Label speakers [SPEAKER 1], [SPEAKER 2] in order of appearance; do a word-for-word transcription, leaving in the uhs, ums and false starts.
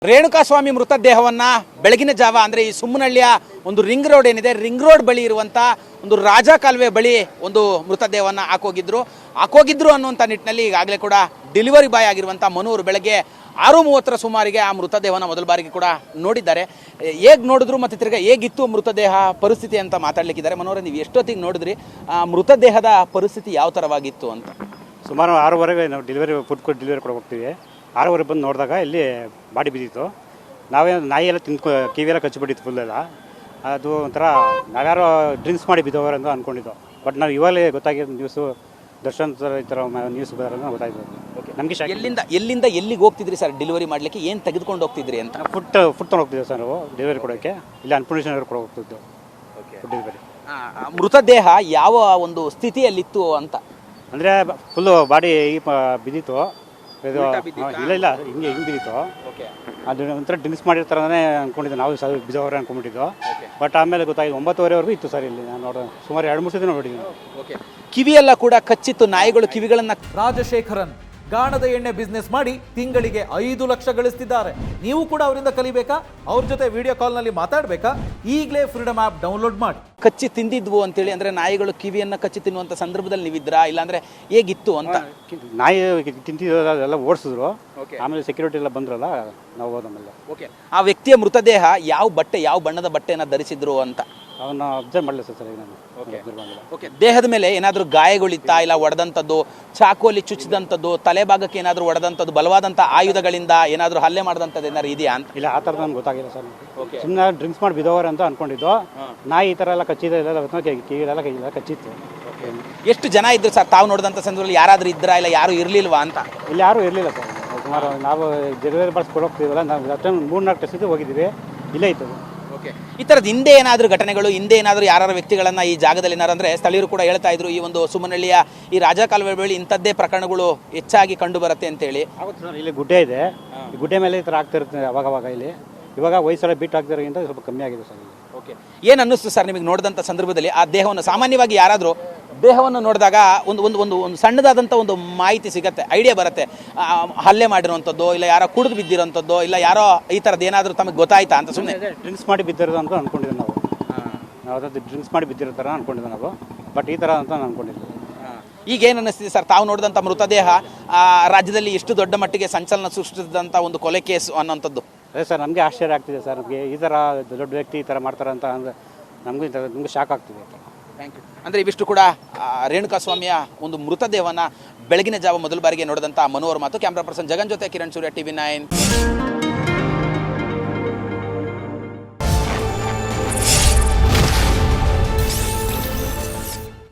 [SPEAKER 1] ರೇಣುಕಾಸ್ವಾಮಿ ಮೃತದೇಹವನ್ನು ಬೆಳಗಿನ ಜಾವ ಅಂದರೆ ಈ ಸುಮ್ಮನಹಳ್ಳಿಯ ಒಂದು ರಿಂಗ್ ರೋಡ್ ಏನಿದೆ, ರಿಂಗ್ ರೋಡ್ ಬಳಿ ಇರುವಂಥ ಒಂದು ರಾಜ ಕಾಲುವೆ ಬಳಿ ಒಂದು ಮೃತದೇಹವನ್ನು ಹಾಕೋಗಿದ್ರು ಹಾಕೋಗಿದ್ರು ಅನ್ನುವಂಥ ನಿಟ್ಟಿನಲ್ಲಿ ಈಗಾಗಲೇ ಕೂಡ ಡೆಲಿವರಿ ಬಾಯ್ ಆಗಿರುವಂಥ ಮನೋರು ಬೆಳಗ್ಗೆ ಆರು ಮೂವತ್ತರ ಸುಮಾರಿಗೆ ಆ ಮೃತದೇಹವನ್ನು ಮೊದಲ ಬಾರಿಗೆ ಕೂಡ ನೋಡಿದ್ದಾರೆ. ಹೇಗೆ ನೋಡಿದ್ರು ಮತ್ತು ತಿರ್ಗಾ ಹೇಗಿತ್ತು ಮೃತದೇಹ ಪರಿಸ್ಥಿತಿ ಅಂತ ಮಾತಾಡಲಿಕ್ಕಿದ್ದಾರೆ. ಮನೋರ, ನೀವು ಎಷ್ಟೊತ್ತಿಗೆ ನೋಡಿದ್ರಿ, ಆ ಮೃತದೇಹದ ಪರಿಸ್ಥಿತಿ ಯಾವ ಥರವಾಗಿತ್ತು ಅಂತ?
[SPEAKER 2] ಸುಮಾರು ಆರೂವರೆಗೆ ನಾವು ಡೆಲಿವರಿ ಫುಡ್ ಕೊಟ್ಟು ಡೆಲಿವರಿ ಕೊಡೋಕೆ ಹೋಗ್ತೀವಿ. ಆರೂವರೆ ಬಂದು ನೋಡಿದಾಗ ಇಲ್ಲಿ ಬಾಡಿ ಬಿದ್ದಿತ್ತು. ನಾವೇ ನಾಯಿ ಎಲ್ಲ ತಿಂದ್ಕೊ ಕಿವಿಯೆಲ್ಲ ಕಚ್ಚಿಬಿಟ್ಟಿತ್ತು ಫುಲ್ಲೆಲ್ಲ. ಅದು ಒಂಥರ ನಾವ್ಯಾರೋ ಡ್ರಿಂಕ್ಸ್ ಮಾಡಿ ಬಿದ್ದವರು ಅಂತ ಅಂದ್ಕೊಂಡಿದ್ದು. ಬಟ್ ನಾವು ಇವಾಗಲೇ ಗೊತ್ತಾಗಿದ್ದು ನ್ಯೂಸು, ದರ್ಶನ್ ಥರ ಈ ಥರ ನ್ಯೂಸ್ ಬರೋದನ್ನ ಗೊತ್ತಾಯ್ತು. ಓಕೆ, ನಮಗೆ
[SPEAKER 1] ಎಲ್ಲಿಂದ ಎಲ್ಲಿಂದ ಎಲ್ಲಿಗೆ ಹೋಗ್ತಿದ್ರಿ ಸರ್ ಡೆಲಿವರಿ ಮಾಡಲಿಕ್ಕೆ? ಏನು ತೆಗೆದುಕೊಂಡು ಹೋಗ್ತಿದ್ರಿ ಅಂತ?
[SPEAKER 2] ಫುಡ್ ಫುಡ್ ತೊಗೊಂಡು ಹೋಗ್ತಿದ್ದೆ ಸರ್ ನಾವು ಡೆಲಿವರಿ ಕೊಡೋಕ್ಕೆ. ಇಲ್ಲ ಅನ್ಪೂರ್ಣೇಶ್ವರ ಕೊಡೋ ಹೋಗ್ತಿದ್ದು. Okay, food delivery.
[SPEAKER 1] ಮೃತದೇಹ ಯಾವ ಒಂದು ಸ್ಥಿತಿಯಲ್ಲಿತ್ತು ಅಂತ?
[SPEAKER 2] ಅಂದರೆ ಫುಲ್ಲು ಬಾಡಿ ಪ ಬಿದ್ದಿತ್ತು. ಇದು ಇಲ್ಲ ಇಲ್ಲ ಹಿಂಗೆ ಹಿಂಗೆ ಬಿದ್ದಿತ್ತು.
[SPEAKER 1] ಓಕೆ,
[SPEAKER 2] ಅದು ಒಂಥರ ಡ್ರಿಂಕ್ಸ್ ಮಾಡಿರ್ತಾರನೇ ಅಂದ್ಕೊಂಡಿದ್ದೆ ನಾವು, ಸಹ ಬಿದ್ದವರೆ ಅಂದ್ಕೊಂಡ್ಬಿಟ್ಟಿದ್ದು. ಬಟ್ ಆಮೇಲೆ ಗೊತ್ತಾಗಿದೆ ಒಂಬತ್ತುವರೆವರೆಗೂ ಇತ್ತು ಸರ್ ಇಲ್ಲಿ. ನಾನು ನೋಡೋ ಸುಮಾರು ಎರಡು ಮೂರು ಸತಿ ನೋಡಿದ್ದೀನಿ.
[SPEAKER 1] ಓಕೆ, ಕಿವಿಯೆಲ್ಲ ಕೂಡ ಕಚ್ಚಿತ್ತು, ನಾಯಿಗಳು ಕಿವಿಗಳನ್ನು.
[SPEAKER 3] ರಾಜಶೇಖರನ್ ಗಾಣದ ಎಣ್ಣೆ ಬಿಸ್ನೆಸ್ ಮಾಡಿ ತಿಂಗಳಿಗೆ ಐದು ಲಕ್ಷ ಗಳಿಸ್ತಿದ್ದಾರೆ. ನೀವು ಕೂಡ ಅವರಿಂದ ಕಲಿಬೇಕಾ? ಅವ್ರ ಜೊತೆ ವಿಡಿಯೋ ಕಾಲ್ನಲ್ಲಿ ಮಾತಾಡಬೇಕಾ? ಈಗಲೇ ಫ್ರೀಡಮ್ ಆ್ಯಪ್ ಡೌನ್ಲೋಡ್ ಮಾಡಿ.
[SPEAKER 1] ಕಚ್ಚಿ ತಿಂದಿದ್ವು ಅಂತೇಳಿ ಅಂದರೆ ನಾಯಿಗಳು ಕಿವಿಯನ್ನು ಕಚ್ಚಿ ತಿನ್ನುವಂಥ ಸಂದರ್ಭದಲ್ಲಿ ನೀವಿದ್ರಾ, ಇಲ್ಲಾಂದರೆ ಹೇಗಿತ್ತು ಅಂತ?
[SPEAKER 2] ನಾಯಿ ತಿಂತಿದ್ದೆಲ್ಲ ಓಡಿಸಿದ್ರು. ಆಮೇಲೆ ಸೆಕ್ಯೂರಿಟಿ ಎಲ್ಲ ಬಂದ್ರಲ್ಲ, ನಾವು ಹೋದಮೇಲೆ.
[SPEAKER 1] ಓಕೆ, ಆ ವ್ಯಕ್ತಿಯ ಮೃತದೇಹ ಯಾವ ಬಟ್ಟೆ, ಯಾವ ಬಣ್ಣದ ಬಟ್ಟೆಯನ್ನು ಧರಿಸಿದ್ರು ಅಂತ
[SPEAKER 2] ಅವನ್ನ ಅಬ್ಸರ್ವ್ ಮಾಡಲಿಲ್ಲ ಸರ್ ಈಗ ನಾನು.
[SPEAKER 1] ಓಕೆ, ದೇಹದ ಮೇಲೆ ಏನಾದರೂ ಗಾಯಗಳಿತ್ತಾ, ಇಲ್ಲ ಒಡೆದಂಥದ್ದು, ಚಾಕುವಲ್ಲಿ ಚುಚ್ಚಿದಂಥದ್ದು, ತಲೆ ಭಾಗಕ್ಕೆ ಏನಾದರೂ ಒಡೆದಂಥದ್ದು, ಬಲವಾದಂಥ ಆಯುಧಗಳಿಂದ ಏನಾದರೂ ಹಲ್ಲೆ ಮಾಡಿದಂಥದ್ದು ಏನಾದ್ರು ಇದೆಯಾ ಅಂತ?
[SPEAKER 2] ಇಲ್ಲ, ಆ ಥರ ನನಗೆ ಗೊತ್ತಾಗಿಲ್ಲ ಸರ್. ಸುಮ್ಮನೆ ಡ್ರಿಂಕ್ಸ್ ಮಾಡಿ ಬಿದ್ದವರು ಅಂತ ಅನ್ಕೊಂಡಿದ್ದು. ನಾಯಿ ಈ ಥರ ಎಲ್ಲ ಕಚ್ಚಿದೆ, ಎಲ್ಲ ಕಿವಿಲೆಲ್ಲ ಕೈ ಕಚ್ಚಿತ್ತು.
[SPEAKER 1] ಎಷ್ಟು ಜನ ಇದ್ರು ಸರ್ ತಾವು ನೋಡಿದಂಥ ಸಂದರ್ಭದಲ್ಲಿ? ಯಾರಾದರೂ ಇದ್ರಾ, ಇಲ್ಲ ಯಾರು ಇರಲಿಲ್ವಾ ಅಂತ?
[SPEAKER 2] ಇಲ್ಲಿ ಯಾರೂ ಇರಲಿಲ್ಲ ಸರ್. ಸುಮಾರು ನಾವು ಡೆಲಿವರಿ ಬಾಯ್ಸ್ ಕೊಡೋಗ್ತೀವಲ್ಲ, ನಾವು ಅಷ್ಟೇ ಮೂರು ನಾಲ್ಕು ಟೆಸ್ಟ್ ಹೋಗಿದ್ದೀವಿ, ಇಲ್ಲೇ ಇತ್ತು.
[SPEAKER 1] ಓಕೆ, ಈ ಥರದ್ದು ಹಿಂದೆ ಏನಾದರೂ ಘಟನೆಗಳು, ಹಿಂದೆ ಏನಾದರೂ ಯಾರು ವ್ಯಕ್ತಿಗಳನ್ನು ಈ ಜಾಗದಲ್ಲಿ ಏನಾರು ಅಂದರೆ ಸ್ಥಳೀಯರು ಕೂಡ ಹೇಳ್ತಾ ಇದ್ರು, ಈ ಒಂದು ಸುಮನಹಳ್ಳಿಯ ಈ ರಾಜ ಕಾಲುವೆ ಬಳಿ ಇಂಥದ್ದೇ ಪ್ರಕರಣಗಳು ಹೆಚ್ಚಾಗಿ ಕಂಡು ಬರುತ್ತೆ ಅಂತೇಳಿ.
[SPEAKER 2] ಆಗುತ್ತೆ ಸರ್, ಇಲ್ಲಿ ಗುಡ್ಡೆ ಇದೆ, ಈ ಗುಡ್ಡೆ ಮೇಲೆ ಈ ಥರ ಆಗ್ತಿರುತ್ತೆ ಅವಾಗವಾಗ. ಇಲ್ಲಿ ಇವಾಗ ವಯಸ್ಸೆಲ್ಲ ಬೀಟ್ ಆಗ್ತಿರೋದ್ರಿಂದ ಸ್ವಲ್ಪ ಕಮ್ಮಿ ಆಗಿದೆ ಸರ್.
[SPEAKER 1] ಓಕೆ, ಏನು ಅನ್ನಿಸ್ತು ಸರ್ ನಿಮಗೆ ನೋಡಿದಂಥ ಸಂದರ್ಭದಲ್ಲಿ ಆ ದೇಹವನ್ನು? ಸಾಮಾನ್ಯವಾಗಿ ಯಾರಾದರೂ ದೇಹವನ್ನು ನೋಡಿದಾಗ ಒಂದು ಒಂದು ಒಂದು ಒಂದು ಸಣ್ಣದಾದಂಥ ಒಂದು ಮಾಹಿತಿ ಸಿಗುತ್ತೆ, ಐಡಿಯಾ ಬರುತ್ತೆ. ಹಲ್ಲೆ ಮಾಡಿರುವಂಥದ್ದು, ಇಲ್ಲ ಯಾರೋ ಕುಡಿದು ಬಿದ್ದಿರೋಂಥದ್ದು, ಇಲ್ಲ ಯಾರೋ ಈ ಥರದ್ದು ಏನಾದರೂ ತಮಗೆ ಗೊತ್ತಾಯ್ತಾ ಅಂತ? ಸುಮ್ಮನೆ
[SPEAKER 2] ಡ್ರಿಂಕ್ಸ್ ಮಾಡಿ ಬಿದ್ದಿರೋದು ಅಂತ ಅಂದ್ಕೊಂಡಿದ್ದೆ ನಾವು. ನಾವು ಅದಾದ ಡ್ರಿಂಕ್ಸ್ ಮಾಡಿ ಬಿದ್ದಿರೋ ಥರ ಅಂದ್ಕೊಂಡಿದ್ದೆ ನಾವು, ಬಟ್ ಈ ಥರ ಅಂತ ಅಂದ್ಕೊಂಡಿದ್ದೆ.
[SPEAKER 1] ಈಗ ಏನು ಅನ್ನಿಸ್ತಿದೆ ಸರ್ ತಾವು ನೋಡಿದಂಥ ಮೃತದೇಹ ರಾಜ್ಯದಲ್ಲಿ ಎಷ್ಟು ದೊಡ್ಡ ಮಟ್ಟಿಗೆ ಸಂಚಲನ ಸೃಷ್ಟಿಸಿದಂಥ ಒಂದು ಕೊಲೆ ಕೇಸು ಅನ್ನೋಂಥದ್ದು?
[SPEAKER 2] ಅದೇ ಸರ್, ನಮಗೆ ಆಶ್ಚರ್ಯ ಆಗ್ತಿದೆ ಸರ್. ನಮಗೆ ಈ ಥರ ದೊಡ್ಡ ವ್ಯಕ್ತಿ ಈ ಥರ ಮಾಡ್ತಾರೆ ಅಂತ ಅಂದರೆ ನಮಗೂ ಈ ಥರ ನಮಗೆ ಶಾಕ್ ಆಗ್ತಿದೆ.
[SPEAKER 1] Thank you. ಅಂದರೆ ಇವಿಷ್ಟು ಕೂಡ ರೇಣುಕಾಸ್ವಾಮಿಯ ಒಂದು ಮೃತದೇಹವನ್ನು ಬೆಳಗಿನ ಜಾವ ಮೊದಲ ಬಾರಿಗೆ ನೋಡಿದಂಥ ಮನೋಹರ್ ಮಾತು. ಕ್ಯಾಮ್ರಾ ಪರ್ಸನ್ ಜಗನ್ ಜೊತೆ ಕಿರಣ್ ಸೂರ್ಯ, ಟಿವಿ ನೈನ್.